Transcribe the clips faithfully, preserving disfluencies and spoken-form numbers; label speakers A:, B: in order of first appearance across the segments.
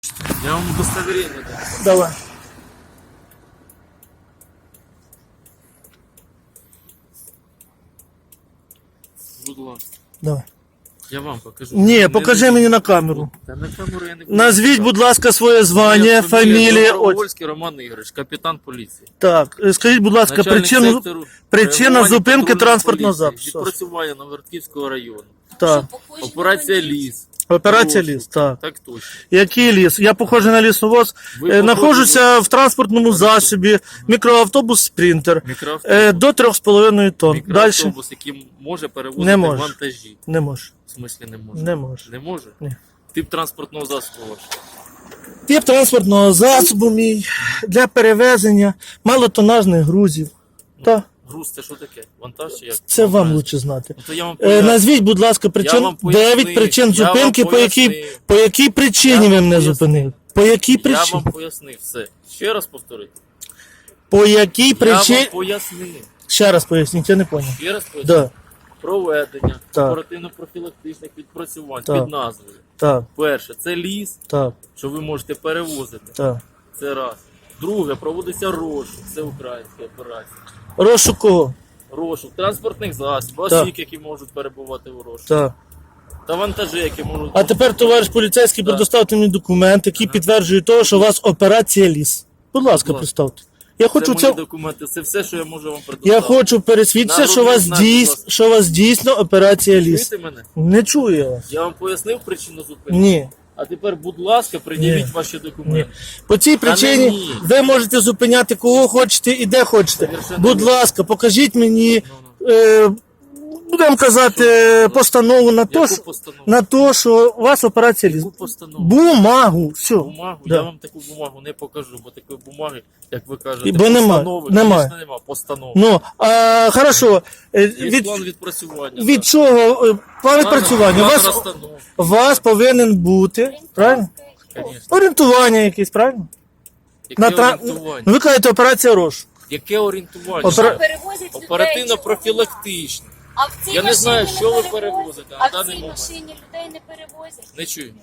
A: Я вам удостоверение дам.
B: Давай.
A: Будь ласка.
B: Давай.
A: Я вам покажу.
B: Ні,
A: Не
B: покажи
A: дивіться.
B: мені на камеру.
A: Та на камеру я не буду.
B: Назвіть, будь ласка, своє звання,
A: Моя
B: фамілія. От.
A: Добровольський Роман Ігорович, капітан поліції.
B: Так, е, скажіть, будь ласка,
A: Начальник
B: причину,
A: сектору
B: причина
A: реагування
B: зупинки
A: патрульної
B: транспортного
A: поліції,
B: запису.
A: Відпрацювання Новгородківського району.
B: Так.
A: Операція «Ліс».
B: Операція
A: Прошу.
B: «Ліс», так.
A: Так точно.
B: Який ліс? Я похожий на лісовоз.
A: Ви
B: Е,
A: похожі
B: Знаходжуся в транспортному засобі, мікроавтобус «Спринтер».
A: Мікроавтобус.
B: Е, До трьох з половиною тонн. Далі?
A: Мікроавтобус, який може перевозити
B: Не може.
A: вантажі.
B: Не може.
A: В смислі не може?
B: Не може.
A: Не може?
B: Ні.
A: Тип транспортного засобу ваш.
B: Тип транспортного засобу мій для перевезення малотонажних грузів. Так,
A: Груз це що таке? Вантаж чи як?
B: це вам
A: Вантаж.
B: лучше знати.
A: Ну, то я вам
B: Е,
A: поясню.
B: Назвіть, будь ласка,
A: Я
B: причин,
A: вам пояснив,
B: дев'ять причин
A: я вам
B: зупинки, по якій,
A: пояснив.
B: по якій причині
A: Я
B: ви
A: вам
B: мене
A: пояснив.
B: зупинили. По якій
A: Я
B: причині?
A: вам пояснив все. Ще раз повторити.
B: По якій
A: Я
B: причині?
A: вам пояснив.
B: Ще раз поясніть, я не поняв.
A: Ще раз пояснив.
B: Да.
A: Проведення
B: Так.
A: оперативно-профілактичних відпрацювань
B: Так.
A: під назвою.
B: Так,
A: Перше, це ліс,
B: так,
A: що ви можете перевозити.
B: так.
A: Це раз. Друге, проводиться розшук. Це українська операція.
B: Розшук кого?
A: Розшук транспортних засобів,
B: Так.
A: осіб, які можуть перебувати у розшуку.
B: Так.
A: Та вантажі, які можуть...
B: А тепер, товариш поліцейський,
A: Так.
B: предоставте мені документ, який підтверджує того, що у вас операція ліс. Будь ласка,
A: Будь ласка.
B: представте. Я
A: Це
B: хочу
A: мої
B: це.
A: документи, це все, що я можу вам предоставити.
B: Я хочу пересвідчитися, що у вас
A: Народний знак, будь
B: дійс...
A: ласка.
B: що у вас дійсно операція ліс.
A: Чуєте мене?
B: Не чую я вас.
A: Я вам пояснив причину зупинки?
B: Ні.
A: А тепер, будь ласка, пред'явіть
B: Ні.
A: ваші
B: Ні.
A: документи.
B: По цій причині
A: ні.
B: ви можете зупиняти кого хочете і де хочете.
A: Совершенно
B: Будь
A: вірно.
B: ласка, покажіть мені,
A: Ну,
B: е, будемо казати, постанову на то,
A: Яку
B: що,
A: постанову?
B: на то, що у вас операція ліс.
A: Яку постанову?
B: Бумагу, все.
A: Бумагу?
B: Да.
A: Я вам таку бумагу не покажу, бо такої бумаги, як ви кажете,
B: І бо нема,
A: постанови,
B: немає.
A: звісно, нема, постанови.
B: Ну, а, хорошо. Е,
A: Є
B: Від,
A: план відпрацювання.
B: від чого? е, План відпрацювання. У вас,
A: розстановки.
B: у вас повинен бути, правильно?
A: Звісно.
B: Орієнтування якесь, правильно?
A: Яке
B: На тра...
A: орієнтування?
B: Ну, ви кажете, операція «Рош».
A: Яке орієнтування?
B: Опера-
C: Перевозять людей.
A: Оперативно-профілактичне.
C: А в цій
A: Я не знаю,
C: машині
A: що ви
C: перевозять.
A: перевозите на
C: А в
A: даний
C: цій
A: момент.
C: машині людей не перевозять.
A: Не чую.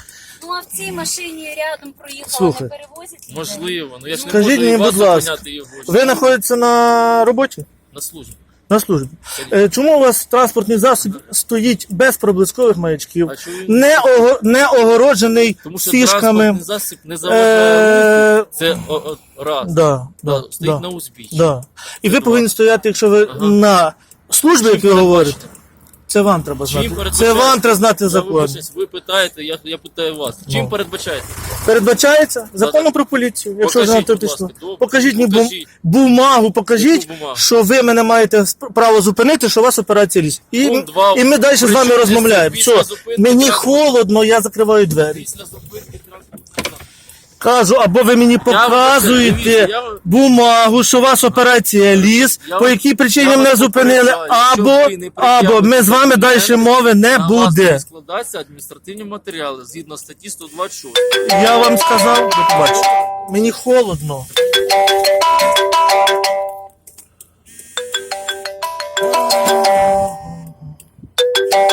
C: Ну а в цій машині рядом проїхала,
B: Слухай.
C: не перевозять людей.
A: Можливо, ну я ж не
B: Скажіть
A: можу
B: мені,
A: і вас
B: будь ласка,
A: зупиняти його.
B: Ви знаходитеся на роботі?
A: На службі.
B: На службі. Е, Чому у вас транспортний засіб стоїть без проблискових маячків,
A: А чому?
B: не, ого... не огороджений
A: Тому що
B: фішками?
A: транспортний засіб не заважає
B: Е,
A: руху. Це о, о, раз.
B: Да,
A: Да,
B: да,
A: стоїть
B: да,
A: на узбіччі.
B: да. І ви
A: два.
B: повинні стояти, якщо ви
A: Ага.
B: на службі, як ви
A: Чим
B: говорите,
A: передбачено?
B: це вам треба знати.
A: Чим
B: Це
A: передбачається?
B: вам треба знати
A: Я
B: закон.
A: вибачаюсь, ви питаєте, я, я питаю вас. Чим
B: Ну.
A: передбачається?
B: Передбачається законом про поліцію, якщо
A: Покажіть,
B: вже на то
A: будь
B: пішло.
A: ласка, добре.
B: Покажіть мені бум...
A: Покажіть.
B: бумагу, покажіть,
A: Яку бумагу?
B: що ви мене маєте сп- право зупинити, що у вас операція ліс. І,
A: Пункт два.
B: і ми далі з вами
A: Причому
B: розмовляємо.
A: після
B: Все,
A: зупинки
B: мені
A: транспорту-
B: холодно, я закриваю двері.
A: Після зупинки транспортного.
B: Кажу, або ви мені
A: вам
B: показуєте
A: дивіться, я вам-
B: бумагу, що у вас операція ліс,
A: Я
B: по
A: вам-
B: якій причині
A: я
B: мене
A: вас
B: зупинили,
A: попереджаю,
B: або,
A: що ви не
B: або ми з вами далі
A: пред'явите
B: мови не
A: На вас
B: буде.
A: не складаються адміністративні матеріали згідно статті сто двадцять шість.
B: Я вам сказав, до побачення. Мені холодно.